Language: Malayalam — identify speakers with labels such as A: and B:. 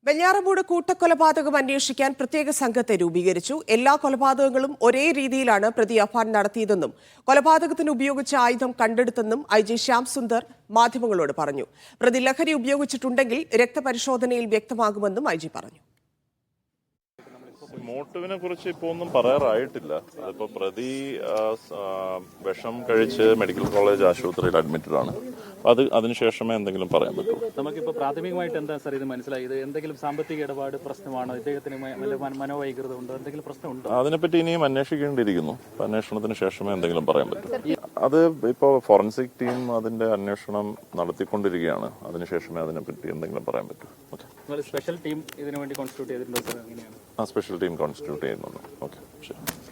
A: വെഞ്ഞാറമൂട് കൂട്ടക്കൊലപാതകം അന്വേഷിക്കാൻ പ്രത്യേക സംഘത്തെ രൂപീകരിച്ചു. എല്ലാ കൊലപാതകങ്ങളും ഒരേ രീതിയിലാണ് പ്രതി അഫാൻ നടത്തിയതെന്നും കൊലപാതകത്തിന് ഉപയോഗിച്ച ആയുധം കണ്ടെടുത്തെന്നും IG ശ്യാം സുന്ദർ മാധ്യമങ്ങളോട് പറഞ്ഞു. പ്രതി ലഹരി ഉപയോഗിച്ചിട്ടുണ്ടെങ്കിൽ രക്തപരിശോധനയിൽ വ്യക്തമാകുമെന്നും IG പറഞ്ഞു.
B: മോട്ടീവിനെ കുറിച്ച് ഇപ്പോൾ ഒന്നും പറയാറായിട്ടില്ല. അതിപ്പോ പ്രതി വിഷം കഴിച്ച് മെഡിക്കൽ കോളേജ് ആശുപത്രിയിൽ അഡ്മിറ്റഡ് ആണ്. അതിനുശേഷമേ എന്തെങ്കിലും പറയാൻ പറ്റുള്ളൂ.
C: നമുക്കിപ്പോൾ പ്രാഥമികമായിട്ട് എന്താ സാർ ഇത് മനസ്സിലായത്? എന്തെങ്കിലും സാമ്പത്തിക ഇടപാട് പ്രശ്നമാണോ? ഇദ്ദേഹത്തിന് മനോവൈകൃതം ഉണ്ടോ? എന്തെങ്കിലും പ്രശ്നമുണ്ടോ?
B: അതിനെപ്പറ്റി ഇനിയും അന്വേഷിക്കേണ്ടിയിരിക്കുന്നു. അന്വേഷണത്തിന് ശേഷമേ എന്തെങ്കിലും പറയാൻ പറ്റൂ. അത് ഇപ്പോൾ ഫോറൻസിക് ടീം അതിന്റെ അന്വേഷണം നടത്തിക്കൊണ്ടിരിക്കുകയാണ്. അതിനുശേഷമേ അതിനെപ്പറ്റി എന്തെങ്കിലും പറയാൻ പറ്റൂ.
C: സ്പെഷ്യൽ ടീം ഇതിനു വേണ്ടി കോൺസ്റ്റിറ്റ്യൂട്ട് ചെയ്തിട്ടുണ്ടോ സാർ? എങ്ങനെയാണ്?
B: സ്പെഷ്യൽ ടീം കോൺസ്റ്റിറ്റ്യൂട്ട് ചെയ്യുന്നുണ്ട്. ഓക്കെ, ശരി.